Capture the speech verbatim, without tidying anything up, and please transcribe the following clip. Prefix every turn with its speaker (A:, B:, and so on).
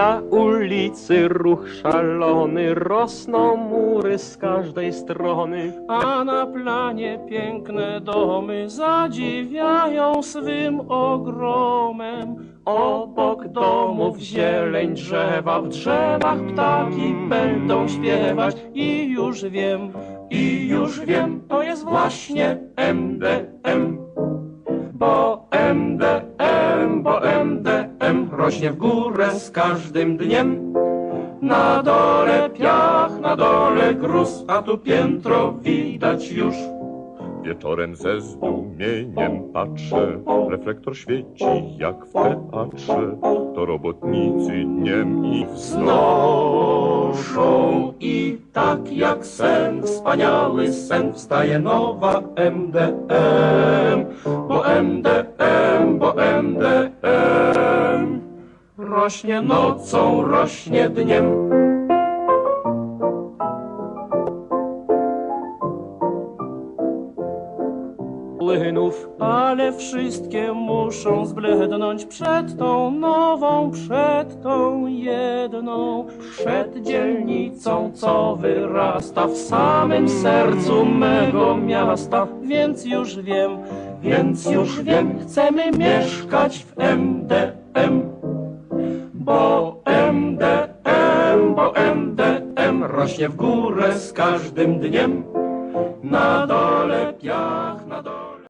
A: Na ulicy ruch szalony, rosną mury z każdej strony,
B: a na planie piękne domy zadziwiają swym ogromem.
A: obok domów zieleń drzewa, w drzewach ptaki będą śpiewać.
B: I już wiem,
A: I już wiem, to jest właśnie M D M. Bo M D M, bo M D M rośnie w górę z każdym dniem. Na dole piach, na dole gruz, a tu piętro widać już.
C: Wieczorem ze zdumieniem patrzę, reflektor świeci jak w teatrze. To robotnicy dniem i
A: Znoszą i tak jak sen, wspaniały sen, wstaje nowa M D M. Bo M D M, bo M D M rośnie nocą, rośnie dniem.
B: płynów, ale wszystkie muszą zblednąć przed tą nową, przed tą jedną,
A: Przed dzielnicą, co wyrasta w samym sercu mego miasta.
B: więc już wiem,
A: Więc już wiem, chcemy mieszkać w M D M. Bo M D M, bo M D M rośnie w górę z każdym dniem. Na dole piach.